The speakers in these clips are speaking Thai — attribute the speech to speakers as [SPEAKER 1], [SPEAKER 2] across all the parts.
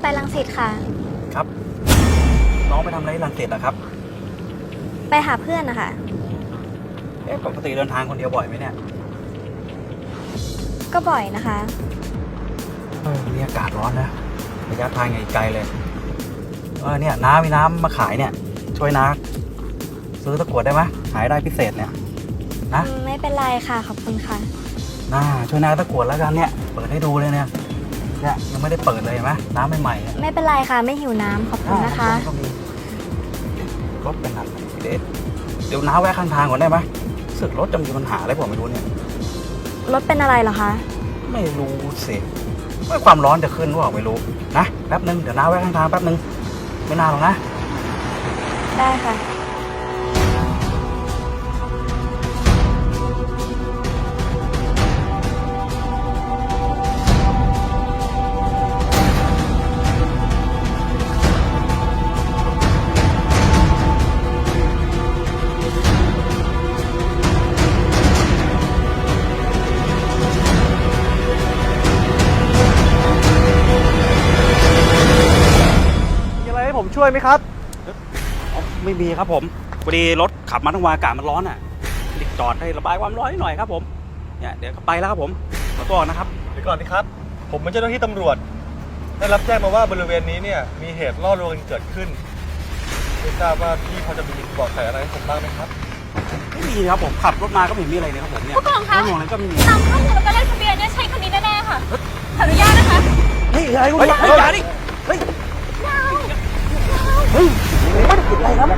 [SPEAKER 1] รังสิตค่ะ
[SPEAKER 2] ครับ น้องไปทำอะไรที่รังสิตอะครับ
[SPEAKER 1] ไปหาเพื่อนนะคะ
[SPEAKER 2] ปกติเดินทางคนเดียวบ่อยไหมเนี่ย
[SPEAKER 1] ก็บ่อยนะคะ
[SPEAKER 2] นี่อากาศร้อนนะระยะทางไกลเลยเนี่ยน้ามีน้ำมาขายเนี่ย ช่วยน้าซื้อตะกรวดได้ไหมขายได้พิเศษเนี่ยนะ
[SPEAKER 1] ไม่เป็นไรค่ะ ขอบคุณค่ะ
[SPEAKER 2] ช่วยน้าตะกรวดแล้วกันเนี่ยเปิดให้ดูเลยเนี่ยยังไม่ได้เปิดเลยเห็นไหมน้ำใหม่ๆ
[SPEAKER 1] ไม่เป็นไรค่ะ ไม่หิวน้ำขอบคุณนะคะ
[SPEAKER 2] ก็มีรถเป็นอะไรเดี๋ยวน้าแวะข้างทางก่อนได้ไหมรู้สึกรถจะมีปัญหาอะไรผมไม่รู้เนี่ย
[SPEAKER 1] รถเป็นอะไรเหรอคะ
[SPEAKER 2] ไม่รู้สิว่าความร้อนจะขึ้นหรือเปล่าไม่รู้นะแป๊บนึงเดี๋ยวน้าแวะข้างทางแป๊บนึงไม่นานหรอกนะ
[SPEAKER 1] ได้ค่ะ
[SPEAKER 3] มีอะไรให้ผมช่วยไหมครับ
[SPEAKER 2] ไม่มีครับผมพอดีรถขับมาทั้งวันอากาศมันร้อนอ่ะดิจอดให้ระบายความร้อนนิดหน่อยครับผมเนี่ยเดี๋ยวไปแล้วครับผมขอตัวก่อนนะครับ
[SPEAKER 3] เดี๋ยวก่อนนะครับ ผมเป็นเจ้าหน้าที่ตำรวจ ได้รับแจ้งมาว่าบริเวณนี้เนี่ยมีเหตุล่อลวงกันเกิดขึ้นไม่ทราบว่าพี่พอจะมีเบาะแสอะไรให้ผมบ้างไหมครับ
[SPEAKER 2] ไม่มีครับผมขับรถมาก็ไม่เห็นมีอะไรเลยครับผมเนี่ย
[SPEAKER 4] ผู้กองคะ
[SPEAKER 2] รถหน่วงอะไรก็ไม่มี
[SPEAKER 4] ตามข้อมูลแล้วก็เลขทะเบียนเนี่ยใช่คนนี้แน่ๆค่ะ ขออนุญาตนะคะ
[SPEAKER 2] เฮ้ยอะไรคุณอย่าดิเฮ้ยไม่ได้ผิดอะไรครับ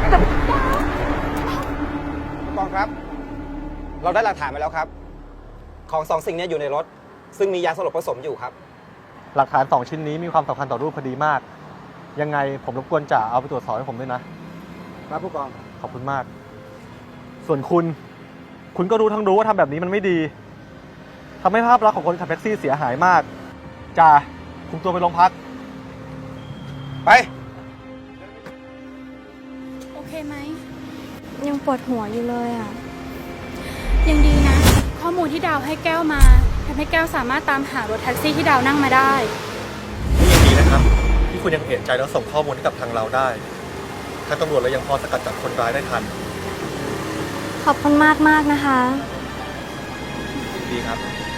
[SPEAKER 5] ผู้กองครับ เราได้หลักฐานมาแล้วครับ ของสองสิ่งนี้อยู่ในรถ ซึ่งมียาสลบผสมอยู่ครับ
[SPEAKER 3] หลักฐาน2ชิ้นนี้มีความสำคัญต่อรูปคดีมาก ยังไงผมรบกวนจ่าเอาไปตรวจสอบให้ผมด้วยนะครับผู้กองขอบคุณมาก ส่วนคุณก็รู้ทั้งรู้ว่าทำแบบนี้มันไม่ดีทำให้ภาพลักษณ์ของคนขับแท็กซี่เสียหายมากจ่าคุมตัวไปโรงพัก
[SPEAKER 5] ไป
[SPEAKER 4] โอเคไหม
[SPEAKER 1] ยังปวดหัวอยู่เลยอ่ะ
[SPEAKER 4] ยังดีนะ ข้อมูลที่ดาวให้แก้วมาทำให้แก้วสามารถตามหารถแท็กซี่ที่ดาวนั่งมาได้
[SPEAKER 3] นี่ยังดีนะครับที่คุณยังเห็นใจแล้วส่งข้อมูลให้กับทางเราได้ทางตำรวจเรายังพอสกัดจับคนร้ายได้ทัน
[SPEAKER 1] ขอบคุณมากนะคะ
[SPEAKER 3] ดีครับ